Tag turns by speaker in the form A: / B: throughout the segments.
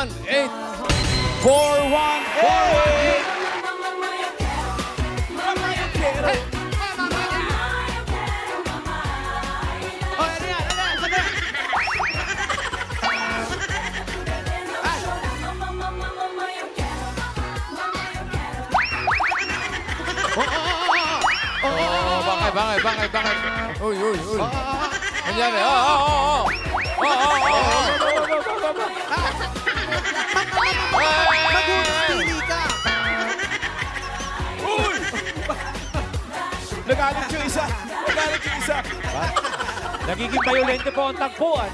A: 418. 418. Bakit? Uy. Nangyari?
B: Maghuli ka!
A: Uy! Nagalit yung isa.
C: Nagiging violente po ang tagpuan.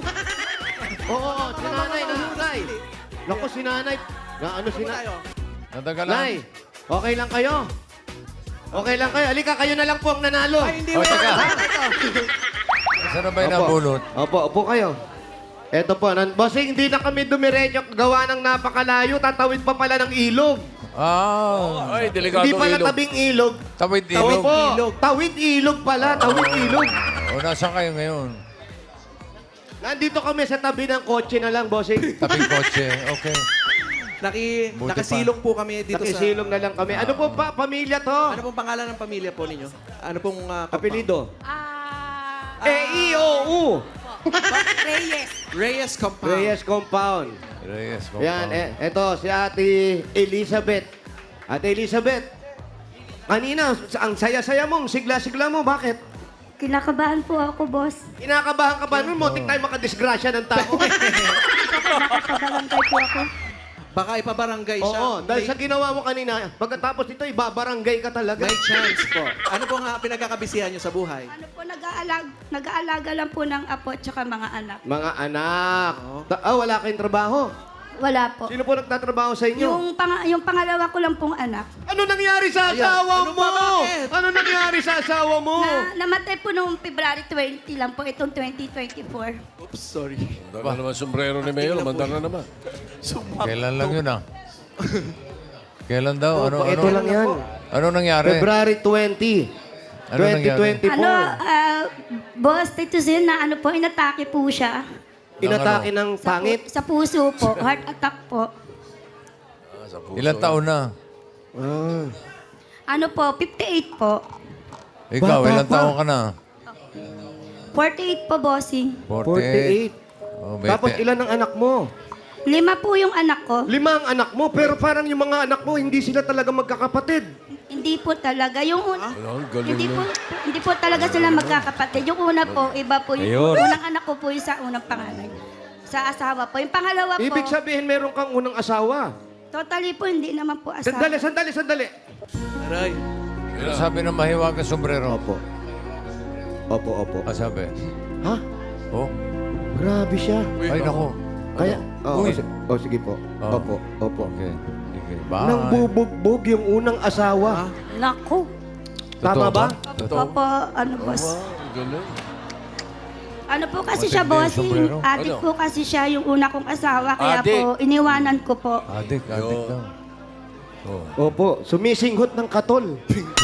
D: Oo, si nanay nahulay. Naku, si nanay. Ano si nanay?
A: Natagalan.
D: Nay, okay lang kayo? Okay lang kayo. Halika, kayo na lang po ang nanalo.
B: Ay, hindi
A: O,
B: mo
A: teka.
B: yan.
A: Saan na ba yung nabulot?
D: Upo kayo. Eto po, bossing, hindi na kami dumiretso. Gawa ng napakalayo. Tatawid pa pala ng ilog.
A: Ay, delikado
D: Hindi pala
A: ilog.
D: tabing ilog.
A: Tawid
D: Tawid
A: ilog.
D: po. Tawid ilog pala. Tawid ilog.
A: O, nasaan kayo ngayon?
D: Nandito kami sa tabi ng kotse na lang, bossing.
A: Tabing kotse. Okay. Buti
B: Nakasilong po kami dito
D: Nakisilong na lang kami. Ano po pa, pamilya to?
B: Ano pong pangalan ng pamilya po ninyo? Ano pong...
D: Apelido?
E: Ah,
D: E-I-O-U.
E: Reyes.
B: Reyes Compound.
D: Reyes Compound.
A: Reyes,
D: Yan, eto, si Ate Elizabeth. Ate Elizabeth, kanina, ang saya-saya mo, ang sigla-sigla mo, bakit?
E: Kinakabahan po ako, boss.
D: Kinakabahan ka ba nun? Muntik tayo makadisgrasya ng tao.
E: Nakakabarangay po ako.
B: Baka ipabarangay siya.
D: Oo, dahil sa
B: may,
D: ginawa mo kanina, pagkatapos ito, ibabarangay ka talaga.
B: may chance po. Ano po nga pinagkakabisihan nyo sa buhay?
E: Ano po, nag-aalaga lang po ng apo at saka mga anak.
D: Mga anak. Wala kayong trabaho.
E: Wala po.
D: Sino po nagtatrabaho sa inyo?
E: Yung pangalawa ko lang pong anak.
D: Ano nangyari sa asawa
B: Ano
D: mo?
B: ba, bakit?
D: Ano nangyari sa asawa mo?
E: Namatay po noong February 20 lang po, itong 2024.
B: Oops, sorry.
F: Mandar na naman sombrero ni Mayor, mandar na naman.
A: Kailan lang yun Kailan daw?
D: Ito lang yan.
A: Ano nangyari?
D: February 20.
A: Ano nangyari?
D: 2024.
E: Boss, Tito Zen, na ano po, inatake po siya.
D: Inatake ng pangit.
E: Sa puso po, heart attack po.
A: Ilang taon na?
D: Ah.
E: Ano po, 58 po.
A: Ikaw,
D: Bata
A: ilang
D: pa.
A: taon ka na?
E: 48 po, bossing.
D: 48.
A: Oh,
D: Tapos ilan ang anak mo?
E: 5 po yung anak ko.
D: 5 ang anak mo, pero parang yung mga anak mo, hindi sila talaga magkakapatid.
E: Hindi po talaga. Yung
F: galing
E: hindi po talaga sila magkakapatid. Yung una po, iba po. Yung unang anak ko po yung sa unang pangalan. Sa asawa po. Yung pangalawa po,
D: Ibig sabihin, meron kang unang asawa.
E: totally po, hindi naman po asawa.
D: Sandali.
B: Aray.
A: Ano sabi ng mahiwagang sombrero?
D: Opo.
A: Ano sabi?
D: Ha?
A: Oh,
D: Grabe siya.
A: ay nako.
D: Kaya,
A: Uy.
D: sige po.
A: Oh.
D: Opo.
A: Okay. Sige. Bye.
D: Nang bubugbog yung unang asawa.
E: Naku.
D: Tama ba?
A: Totoo.
E: Opo, ano boss.
F: Galing.
E: Ano po kasi
A: Matindi
E: siya,
A: yung
E: bossing.
A: sombrero.
E: Adik po kasi siya yung una kong asawa. Kaya
A: Adik.
E: po, iniwanan ko po.
A: Adik daw.
D: Opo, sumisinghot ng katol.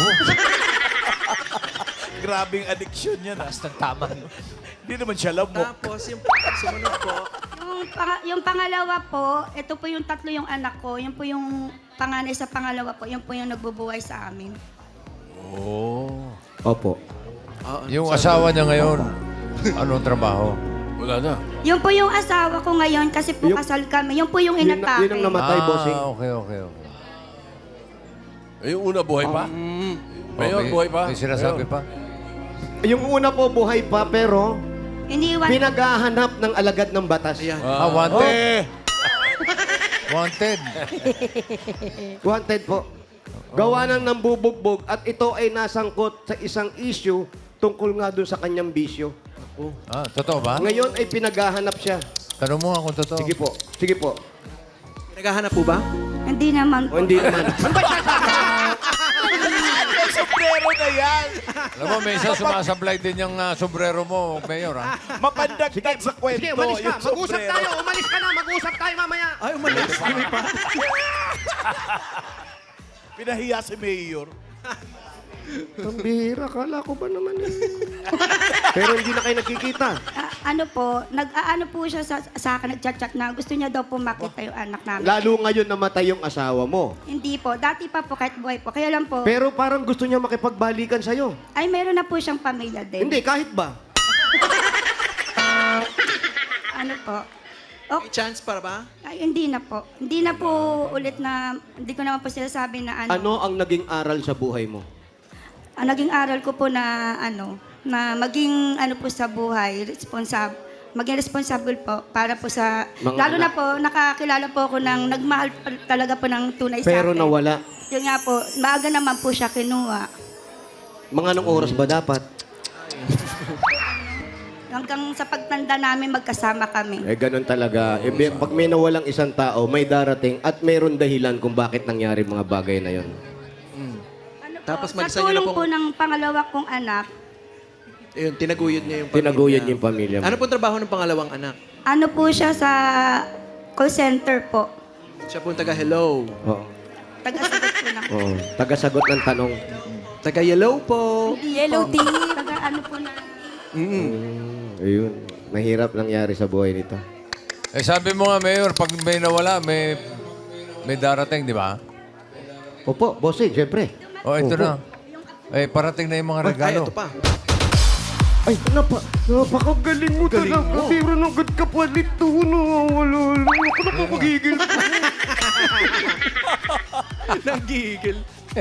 C: Grabing addiction yan. Taas ng tama. Hindi naman siya lamok.
B: Tapos yung sumunod po,
E: Yung pangalawa po, ito po yung tatlo yung anak ko. Yan po yung panganay sa pangalawa po. Yan po yung nagbubuhay sa amin.
D: Opo.
A: Yung asawa niya ngayon, anong trabaho?
F: Wala na.
E: Yun po yung asawa ko ngayon kasi po
D: Yung-
E: kasal kami. Yun po yung
D: Yun
E: inatake.
D: ang namatay, bossing.
A: Okay.
F: Eh, yung una, buhay pa? Mayor,
A: Okay.
F: buhay pa?
A: May sinasabi pa?
D: Yung una po buhay pa, pero
E: Iniwan.
D: pinaghahanap ng alagad ng batas.
B: ayan.
A: Wanted. Wanted.
D: Wanted po. Gawa ng nambubugbog at ito ay nasangkot sa isang issue tungkol nga dun sa kanyang bisyo.
A: Totoo ba?
D: Ngayon ay pinaghahanap siya.
A: Tanong mo nga kung totoo.
D: Sige po.
B: Naghahanap po ba?
E: Hindi naman
D: O
E: po.
D: hindi naman.
C: Sombrero na yan.
A: Alam mo, may isa sumasablay din yung sombrero mo, Mayor, ha?
C: Mapandagdag sa kwento.
D: Sige, umalis ka.
C: yung
D: Mag-usap
C: sombrero.
D: tayo. Umalis ka na. Mag-usap tayo mamaya.
B: Ay, umalis.
C: Pinahiya si Mayor.
D: Ang bihira, kala ko ba naman eh. Pero hindi na kayo nagkikita.
E: Ano po, nag-aano po siya sa akin, nag-chat-chat na gusto niya daw po makita yung anak namin.
D: Lalo ngayon namatay yung asawa mo.
E: Hindi po, dati pa po kahit buhay po. Kaya lang po,
D: Pero parang gusto niya makipagbalikan sa'yo.
E: ay meron na po siyang pamilya din.
D: Hindi, kahit ba?
E: Ano po? Okay.
B: May chance para ba?
E: Ay, hindi na po. Hindi na po ulit na, hindi ko naman po sinasabi na ano.
D: Ano ang naging aral sa buhay mo?
E: Ang naging aral ko po na na maging po sa buhay, maging responsible po para po sa,
D: Mga
E: lalo
D: anak.
E: na po, nakakilala po ako ng nagmahal talaga po ng tunay sa
D: Pero
E: akin.
D: nawala.
E: Yun nga po, maaga naman po siya kinuha.
D: Mga anong oras ba dapat?
E: Hanggang sa pagtanda namin, magkasama kami.
D: Eh, ganun talaga. Eh, pag may nawalang isang tao, may darating at mayroon dahilan kung bakit nangyari mga bagay na yon.
E: Ano po,
B: Tapos
E: sa
B: mag-isa niyo na
E: tulong
B: pong-
E: po ng pangalawa kong anak,
B: Ayun, tinaguyod niya yung pamilya.
D: Tinaguyod niya yung pamilya mo.
B: Ano pong trabaho ng pangalawang anak?
E: ano po siya sa call center po.
B: Siya pong taga-hello.
D: Oo.
E: Taga-sagot po ng...
D: Oo. Tagasagot ng tanong.
B: Taga-yellow po.
E: Yellow tea. Taga-ano po na...
D: Ayun. Mahirap nangyari sa buhay nito.
A: Eh sabi mo nga, Mayor, pag may nawala, may darating, di ba?
D: Opo, bossing, syempre.
A: O, ito na. Eh, parating na yung mga
B: Ay,
A: regalo.
B: ito pa.
D: Ay, napakagaling mo
B: Galing
D: talaga.
B: mo.
D: Pero nang good ka palit to, no? Wala, ako na pagigil.
B: Nanggigil.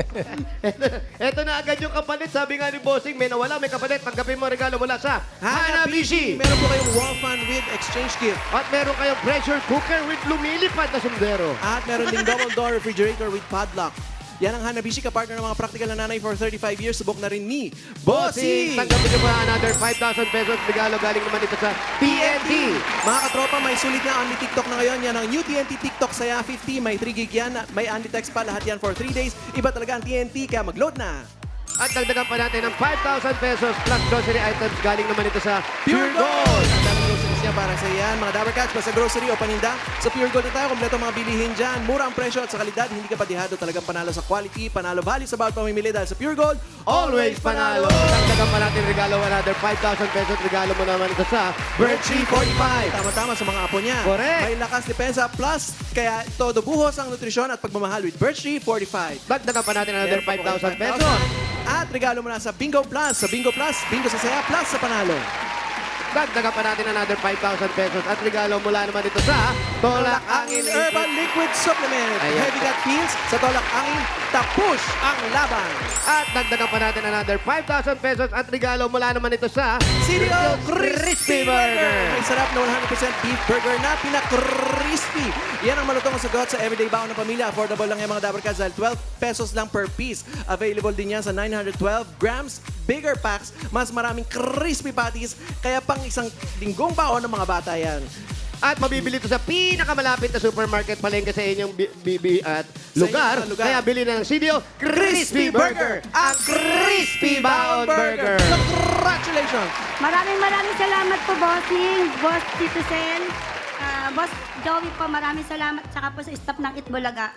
D: Eto na agad yung kapalit. Sabi nga ni bossing, may nawala, may kapalit. Tanggapin mo ang regalo mula sa
B: Hanabishi!
D: Hanabishi.
B: Meron po kayong wall fan with exchange gift.
D: At meron kayong pressure cooker with lumilipad na sombrero.
B: At meron ding double door refrigerator with padlock. Yan ang Hanabishi, kapartner ng mga practical na nanay for 35 years. Subok na rin ni Bossing!
D: Tanggapin nyo pa another 5,000 pesos. Regalo galing naman dito sa TNT.
B: Mga katropa, may sulit na only TikTok na ngayon. Yan ang new TNT TikTok Saya 50. May 3 gig yan. May only text pa. Lahat yan for 3 days. Iba talaga ang TNT, kaya mag-load na.
D: At dagdagan pa natin ng 5,000 pesos plus grocery items galing naman ito sa
B: Pure Gold! Ang daming groceries niya para sa iyan. Mga Dabber Cats, pa sa grocery o paninda. Sa Pure Gold na tayo, kompleto mga bilihin dyan. Mura ang presyo at sa kalidad, hindi ka patihado. Talagang panalo sa quality, panalo value sa bawat pamimili dahil sa Pure Gold,
D: Always panalo. Dagdagan pa natin regalo another 5,000 pesos. Regalo mo naman ito sa Birchie 45.
B: Tama-tama sa mga apo niya.
D: Correct.
B: May lakas depensa plus, kaya todo buhos ang nutrisyon at pagmamahal with Birchie 45.
D: Dagdagan pa natin another 5,000 pesos.
B: At regalo mo na sa Bingo Plus. Sa Bingo Plus, Bingo sa Saya Plus sa panalo.
D: Dagdagan pa natin another 5,000 pesos. At regalo mula naman ito sa Tolak Angin
B: Herbal Liquid Supplement.
D: Ayan.
B: Heavy gut feels sa Tolak Angin, tapush ang laban.
D: At dagdagan pa natin another 5,000 pesos. At regalo mula naman ito sa
B: Cereal
D: Crispy Burger.
B: May sarap na 100% beef burger na pina-crispy. Yan ang malutong ang sagot sa everyday baon ng pamilya. Affordable lang yung mga Dabber Cats dahil 12 pesos lang per piece. Available din yan sa 912 grams, bigger packs, mas maraming crispy patties, kaya pang isang linggong baon ng mga bata yan.
D: At mabibili ito sa pinakamalapit na supermarket palengke sa inyong at
B: Sa
D: lugar.
B: inyong lugar.
D: Kaya bili na ng CDO Crispy Burger. Ang Crispy Baon Burger.
B: Congratulations!
E: Maraming salamat po, Bossing, Boss Tito Sen, Boss Joey po, maraming salamat. Tsaka po sa staff ng Itbulaga.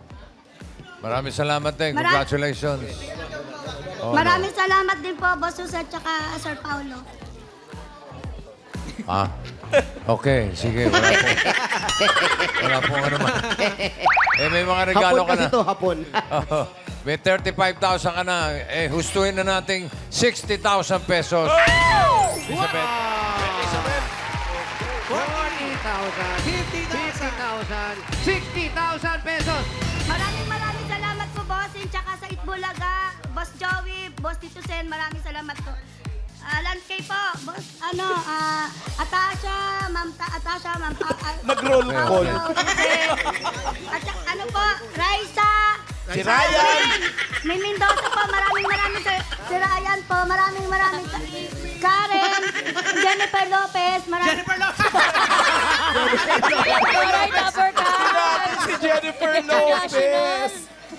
A: Maraming salamat din.
E: Mara-
A: Congratulations. Oh,
E: Maraming salamat din po, Boss Susan, tsaka Sir Paulo.
A: Ah, okay. Sige, wala po. Wala po ano man. Eh, may mga regalo
D: Hapon
A: ka
D: kasi
A: na.
D: ito, hapon.
A: Oo. May 35,000 ka na. Eh, hustuhin na nating 60,000 pesos. Elizabeth.
D: 40,000, 50,000, 60,000 pesos.
E: Maraming salamat po, Bossing, tsaka sa Itbulaga, Boss Joey, Boss Tito Sen, maraming salamat po. Lansky po, Boss, Atasha, Ma'am
C: Nag-roll call.
E: At saka, ano po, Raisa.
C: Si Ryan.
E: May Mendoza po, maraming si Ryan po, maraming Karen, Jennifer Lopez,
B: Jennifer Lopez!
E: Alright, Dabber Cats.
C: Si Jennifer Lopez.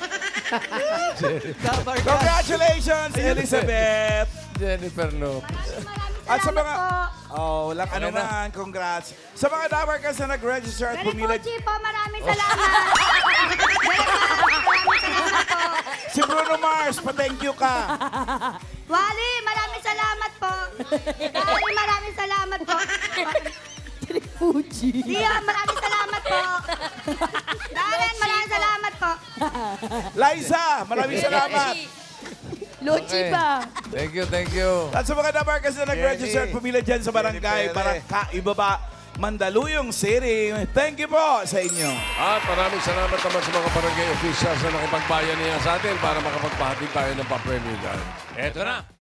B: Dabber Cats.
C: Congratulations, Elizabeth.
A: Jennifer Lopez.
C: At sa
E: Salamat
C: mga...
E: po.
C: Oh, walang ano man. Congrats. Sa mga Dabber Cats na nag-register at
E: Very
C: pumila...
E: Pochi po, maraming salamat. Very Pochi, maraming salamat po.
C: Si Bruno Mars, pa-thank you ka.
E: Wally, maraming salamat po. Wally, maraming salamat po.
G: Fuji.
E: Dia, maraming salamat po. Darren, maraming salamat po.
C: Liza, maraming salamat.
G: Lochi
A: Okay.
G: ba?
A: Thank you, thank you.
C: At sa mga Dabarkas na nag-register at
H: Jenny.
C: pumila dyan sa barangay, Barangka, Ibaba, Mandaluyong City. Thank you po sa inyo.
F: At maraming salamat naman sa mga barangay officials na nakipagbayan niya sa atin para makapagpahatid tayo ng pa-premium dyan.
A: Eto na.